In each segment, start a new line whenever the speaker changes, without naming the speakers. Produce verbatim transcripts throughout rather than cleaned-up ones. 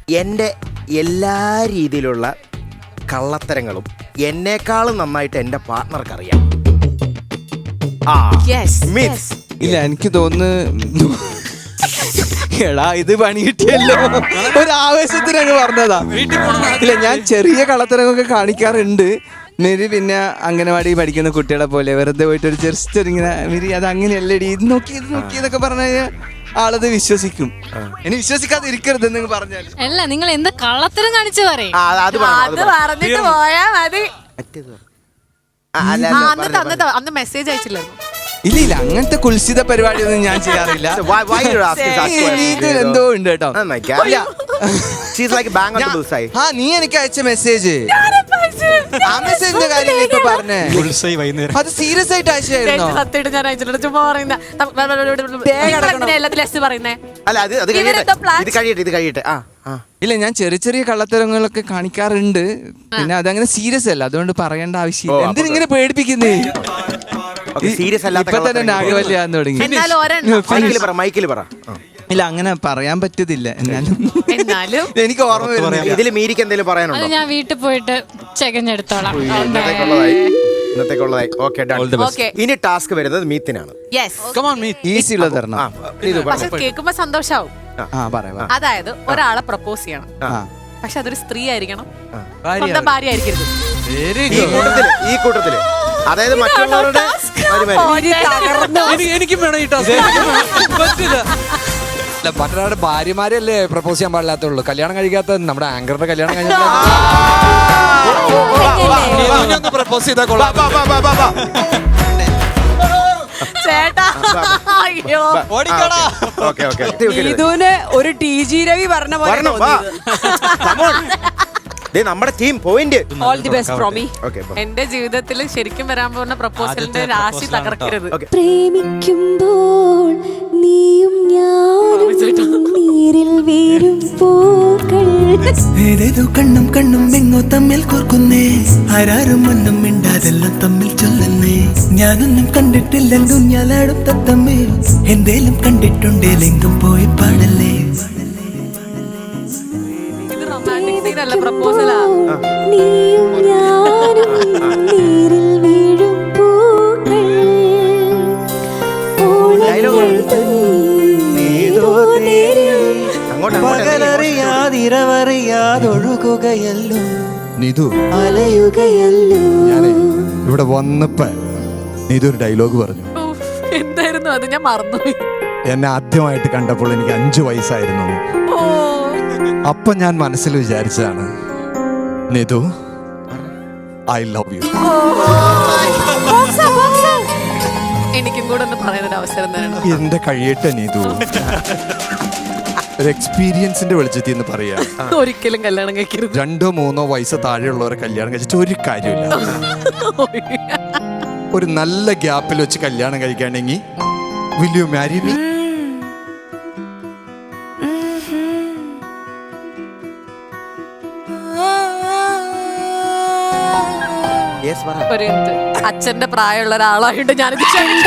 എൻ്റെ എല്ലാ രീതിയിലുള്ള കള്ളത്തരങ്ങളും എന്നേക്കാളും നന്നായിട്ട് എൻ്റെ പാർട്ട്ണർക്ക് അറിയാം.
ഇല്ല, എനിക്ക് തോന്നുന്നു എടാ ഇത് പണി കിട്ടിയല്ലോ, ഒരു ആവേശത്തിന് അങ്ങ് പറഞ്ഞതാ. ഇല്ല, ഞാൻ ചെറിയ കള്ളത്തരമൊക്കെ കാണിക്കാറുണ്ട്. മേരി പിന്നെ അംഗനവാടി പഠിക്കുന്ന കുട്ടികളെ പോലെ വെറുതെ പോയിട്ട് ഒരു ജസ്റ്റ് ഇങ്ങനെ മേരി അത് അങ്ങനെയല്ലടി ഇത് നോക്കി ഇത് നോക്കി എന്നൊക്കെ പറഞ്ഞു കഴിഞ്ഞാൽ ആളത് വിശ്വസിക്കും. ഇനി വിശ്വസിക്കാതെ ഇരിക്കരുത് എന്ന് പറഞ്ഞാൽ
അല്ല, നിങ്ങൾ എന്ത് കള്ളത്തരം കാണിച്ചു പറയും.
അത് പറഞ്ഞിട്ട് പോയാ മതി. അന്ന് മെസ്സേജ് അയച്ചില്ലായിരുന്നു.
ഇല്ല ഇല്ല അങ്ങനത്തെ കുൽസിത പരിപാടിയൊന്നും ഞാൻ ചെയ്യാറില്ല. എന്തോ ഉണ്ട് കേട്ടോ. ആ നീ എനിക്ക് അയച്ച മെസ്സേജ്, ആ മെസ്സേജിന്റെ കാര്യം ഇപ്പൊ പറഞ്ഞേ, അത് സീരിയസ് ആയിട്ട് അയച്ചായിരുന്നോ?
സത്യമായിട്ട് ഞാൻ അയച്ചിട്ടുണ്ട്. ചുമ്മാ പറയുന്ന എല്ലാത്തിലും പറയുന്നേ.
ഇല്ല, ഞാൻ ചെറിയ ചെറിയ കള്ളത്തരങ്ങളൊക്കെ കാണിക്കാറുണ്ട്. പിന്നെ അതങ്ങനെ സീരിയസ് അല്ല, അതുകൊണ്ട് പറയേണ്ട ആവശ്യമില്ല. എന്തിനിങ്ങനെ പേടിപ്പിക്കുന്നേ? ഇപ്പൊ തന്നെ നാഗവല്യാന്ന് തുടങ്ങി. ഇല്ല, അങ്ങനെ പറയാൻ പറ്റത്തില്ല. എന്നാലും എന്നാലും എനിക്ക് ഓർമ്മ വരുന്നില്ല.
ഇതിൽ മീരിക്ക് എന്തെങ്കിലും പറയാനുണ്ടോ?
ഞാൻ വീട്ടിൽ പോയിട്ട് ചെകഞ്ഞെടുത്തോളാം.
ഇനി ടാസ്ക് വരുന്നത് മീത്തിനാണ്.
ഈസി ഉള്ളത് തരണം.
പക്ഷെ കേൾക്കുമ്പോ സന്തോഷാവും. അതായത് ഒരാളെ പ്രപ്പോസ് ചെയ്യണം, പക്ഷെ അതൊരു സ്ത്രീ ആയിരിക്കണം, സ്വന്തം ഭാര്യ ആയിരിക്കരുത്.
ഈ കൂട്ടത്തില് അതായത് മറ്റുള്ളവരുടെ
എനിക്കും വേണം ഈ ടാസ്ക്. മറ്റൊരാളുടെ ഭാര്യമാരല്ലേ പ്രപ്പോസ് ചെയ്യാൻ പാടില്ലാത്തുള്ളൂ. കല്യാണം കഴിക്കാത്ത നമ്മുടെ ആങ്കറുടെ കല്യാണം കഴിഞ്ഞാൽ പ്രപ്പോസ് ചെയ്താൽ കൊള്ളാം.
ഇതിന് ഒരു ടി ജി രവി പറഞ്ഞ പോലെ
നമ്മുടെ team point.
All the best Promi. എന്റെ ജീവിതത്തിൽ ശരിക്കും വരാൻ പോകുന്ന പ്രപ്പോസലിന്റെ രാശി തകർക്കരുത്.
പ്രേമിക്കുമ്പോൾ നീയും ഞാനും നീരിൽ വീരും പൂക്കൾ.
ഏതേതോ കണ്ണും കണ്ണും എങ്ങോ തമ്മിൽ കോർക്കുന്നേ, ആരാരും മണ്ണും മിണ്ടാതെല്ലാം തമ്മിൽ ചൊല്ലുന്നേ. ഞാനൊന്നും കണ്ടിട്ടില്ലെങ്കും ഞാനാടും തത്തമ്മേ, എന്തേലും കണ്ടിട്ടുണ്ടേലെങ്കും പോയി പാടല്ലേ.
പ്രപ്പോസലാ.
നീയും ഞാനും നീരിൽ വീഴും പൂക്കൾ.
പകലറിയാതിരവറിയാതൊഴുകുകയല്ലോ
നിധു,
അലയുകയല്ലോ.
ഞാനേ ഇവിടെ വന്നപ്പോ നിധു ഒരു ഡയലോഗ് പറഞ്ഞു.
എന്തായിരുന്നു അത്? ഞാൻ മറന്നുപോയി.
എന്നെ ആദ്യമായിട്ട് കണ്ടപ്പോൾ എനിക്ക് അഞ്ചു വയസ്സായിരുന്നു. അപ്പൊ ഞാൻ മനസ്സിൽ വിചാരിച്ചതാണ്, നിധു ഐ ലവ് യു.
എനിക്കും കൂടെ ഒന്ന് പറയാനൊരു അവസരം തരണം.
എന്റെ കഴിയട്ടെ നിധു. ഒരു എക്സ്പീരിയൻസിന്റെ വെളിച്ചത്തിൽ നിന്ന് പറയാ,
ഒരിക്കലും കല്യാണം കഴിക്കരുത്.
രണ്ടോ മൂന്നോ വയസ്സ് താഴെയുള്ളവരെ കല്യാണം കഴിച്ചിട്ട് ഒരു കാര്യമില്ല. ഒരു നല്ല ഗ്യാപ്പിൽ വെച്ച് കല്യാണം കഴിക്കുകയാണെങ്കിൽ വിൽ യു മാരി മീ?
അച്ഛന്റെ പ്രായമുള്ള ഒരാളായിട്ട് ഞാനിത്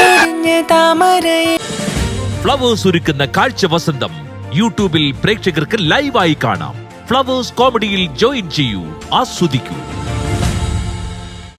ഫ്ലവേഴ്സ് ഒരുക്കുന്ന കാഴ്ച വസന്തം യൂട്യൂബിൽ പ്രേക്ഷകർക്ക് ലൈവായി കാണാം. ഫ്ലവേഴ്സ് കോമഡിയിൽ ജോയിൻ ചെയ്യൂ, ആസ്വദിക്കൂ.